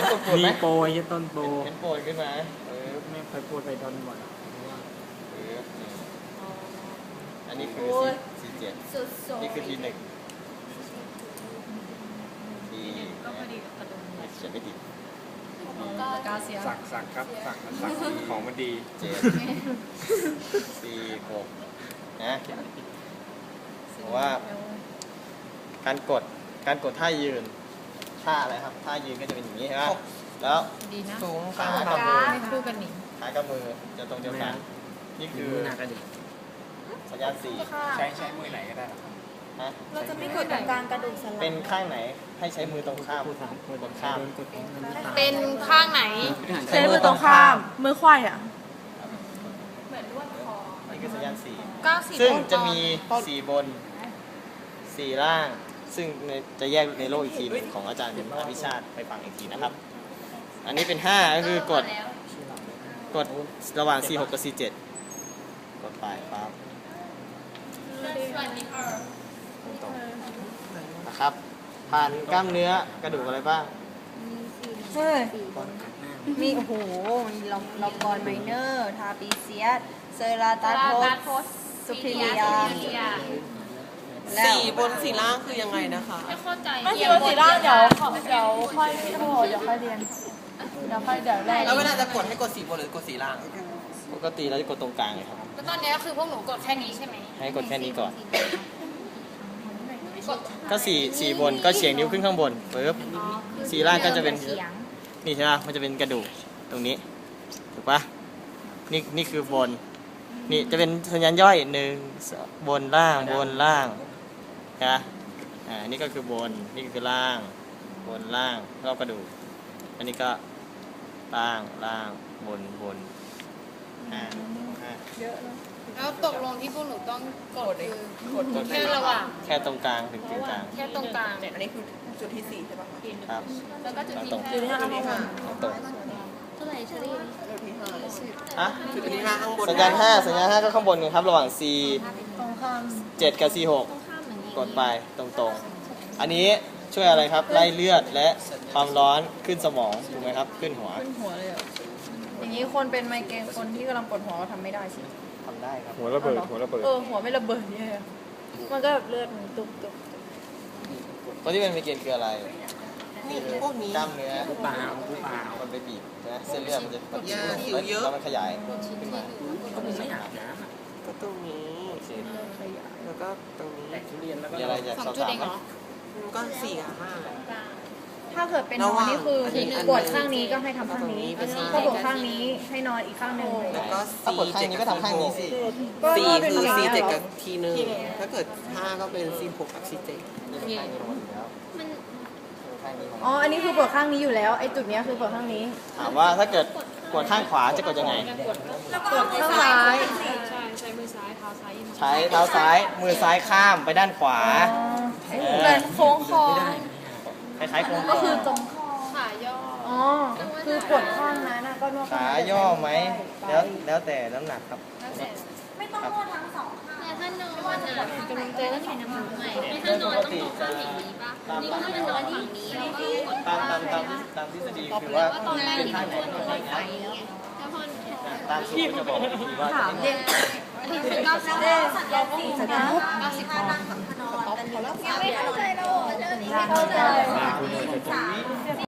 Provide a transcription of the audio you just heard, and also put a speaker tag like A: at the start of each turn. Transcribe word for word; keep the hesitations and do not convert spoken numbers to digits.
A: ปวดไหม
B: มีโปรยต้นโปร
A: เห็นปวดขึ้นมาเออ
B: ไม่เคยพูดไปต้นบ่อย
A: เอออันนี้คือสี่เจ็ดนี่คือทีหนึ่งทีเขียนไม่ติด
C: กาเซีย
B: สักสักครับสักสักของมันดี
A: เจ็ดสี่หกนะเพราะว่าการกดการกดท่ายืนท่าอะไรครับท่ายืนก็จะเป็นอย่างนี้ใช่ไหมแล้ว
C: ดีนะ
A: สูงขากับมือ
C: ไม่คู่กันหนิ
A: ขากับมือจะตรงเดียวกันนี่คือ
B: หน้ากระดิก
A: สัญญาณสี่
B: ใช้ใช้มือไหนก็ได้หรอ
A: ฮะ
D: เราจะไม่กดตรงกลางกระดูกสันหลัง
A: เป็นข้างไหนให้ใช้มือตรงข้าม
B: พูดสามคน
A: กดข้าม
B: กดเองมันไม่ตาย
C: เป็นข้างไหน
D: ใช้มือตรงข้าม มือควายอ่ะ
A: นี่คือสัญญาณสี่
C: เก้าสิบ
A: ซึ่งจะมีสี่บนสี่ล่าง ซึ่งจะแยกในโลกอีกทีหนึงของอาจารย์อภิชาติไปฟังอีกทีนะครับ อันนี้เป็นห้าก็คือกดกดระหว่างสี่หกกับสี่เจ็ดกดไปครับตรงๆนะครับ ผ่านกล้ามเนื้อกระดูกอะไรบ้าง
D: เฮ้ย มีโอ้โห มีลอมลอมบอลไมเนอร์ ทาปิเซียส เซอราตาโทสสุพิเลียแล้ว
E: สี่บนสี่ล่างคือยังไงนะคะ
C: ไม่เข้าใจ
D: ไม่คิดว่าสีร่างเดี๋ยวขอเดี๋ยวค่อยโอ้โหเดี๋ยวค่อยเรียน เดี๋ยวค่อยเดี๋ยวแรก
E: แล้วเวลาจะกดให้กดสี่บนหรือกดสี่ล่าง
A: ปกติเราจะกดตรงกลางเลยครับ
C: แล้วตอนนี้คือพวกหนูกดแค่นี้ใช่ไหม
A: ให้กดแค่นี้ก่อน ก็สี่สี่บนก็เฉียงนิ้วขึ้นข้างบนปึ๊บสี่ล่างก็จะเป็นนี่ใช่ไหมมันจะเป็นกระดูกตรงนี้ถูกปะนี่นี่คือบนนี่จะเป็นสัญญาณย่อยหนึ่งสองบนล่างบนล่างนะอ่านี่ก็คือบนนี่คือล่างบนล่างรอบกระดูกอันนี้ก็ล่างล่างบนบนอ่าอ่า
C: แล้วตกลงที่พวกหนูต้องกดคือกดแค่ระหว่าง
A: แค่ตรงกลางถึงกึ่งกลาง
C: แค่ตรงกลาง
E: อันนี้คือจุดที่สี่ใช่ปะคะ
A: ครับ
C: แล้วก็จุดที่
A: ตรง
C: ห้า
E: จุดที่ห้าข้างบน
A: ตรง
C: เท่าไหร่เชอรี่
E: จุดที่ห้า
A: อ่ะ
E: จุดที่ห้าข้างบน
A: สัญญาณห้าสัญญาณห้าก็ข้างบนกันครับระหว่าง C
D: ตรงข้าม
A: เจ็ดกับ C หกกดไปตรงๆ อันนี้ช่วยอะไรครับไล่เลือดและความร้อนขึ้นสมองถูกไหมครับขึ้นหัว
D: ขึ้นหัวเลยอ่ะ อย่างนี้คนเป็นไมเกรนคนที่กำลังปวดหัวก็ทำไม่ได้สิ
A: ทำได้ครับ
B: หัวระเบิดหัวระเบิด
D: เออ หัวไม่ระเบิดเนี่ยมันก็แบบเลือดมันตุบตุบ
A: คนที่เป็นไมเกรนคืออะไร
E: นี่พวกนี้
A: กล้ามเนื้อ
B: ผู้เปล่าผู้เปล่า
A: มันไปบีบใช่ไหมเส้นเลือดมันจะกด
E: ยาหิวเยอะ
A: แล้วมันขยายขึ้นมา
B: ก็มึงไม่อาบน้ำอ่ะ
E: ก็ตรงนี้
A: โอเค
E: แล้วก็ตรงนี้
B: แตกทุเรียนแล้วก็
A: มีอะไรจะ
C: สอ
A: สอง บ
C: จุด
A: ถาม
C: เอง
A: ไหม
C: เหรอ
E: มันก็สี่กับห้า
D: ถ้าเกิดเป็นนอนนี่คือปวดข้างนี้ก็ให้ทำข้างนี้ ถ้าปวดข้างนี้ให้นอนอีกข้างหนึ่ง
E: แล้วก็
A: ถ้าปวดข้างนี้ก็ทำข้างนี้สิ
D: ก็
E: สี่
D: เป็น
E: คือ
D: อย่าง
E: สี่
D: นี้ย
E: เจ็ด
D: เหร
E: กั
D: อบ
E: ทีหนึ่งถ้าเกิดห้าก็เป็นสี่หกกับสี่เจ็ด
A: นี่เป็นข้างนี้ของมันอยู่แล้วข้างนี้ของ
D: อ๋อ
A: มัน
D: อันนี้คือปวดข้างนี้อยู่แล้ว ไอ้จุดเนี้ยคือปวดข้างนี้
A: ถามว่าถ้าเกิดปวดข้างขวาจะกดยังไง
D: ปวดข้างซ้าย
C: ใช่ใช้มือซ้ายเท้าซ้ายยัง
A: ใช้เท้าซ้ายมือซ้ายข้ามไปด้านขวา
D: อ๋อเหมือนโค้งคอ
A: คล้ายๆโค้งค
D: ก็
A: อ
D: คือตรง
C: ขาย่อ
D: อ๋อ คือปวดข้างนั้นน่ะก็นวด
A: ขาย่อไหมแล้วแล้วแต่น้ำหนักครับ
D: ไม่ต้องนวดทั้งสองข้าง
C: แต่ถ้านอนอ่ะกำลังใจต้องใช้น้ำมันใหม่ถ้านอนต้องนอนข้างอย่างนี้ป่ะนี่ก็จะนอนฝั่งนี้แล้วก็กด
A: ตามตามตามตามทฤษฎีคือว่า
C: ว่าตอนแรก
A: เป็น
C: ที่
A: ท่า
C: มัน
A: ไหน
C: นวดมันไฟไงแล้วพอ
A: ตามสูตรจะบอกอีกทีว่า
D: ถามเด็ก
C: ที่คือเก้าสิบ
D: เด็กเราก็มีสัญญาณ
C: เก้าสิบ
D: ยังไม่เข้าใจเราไม่เข้าใจ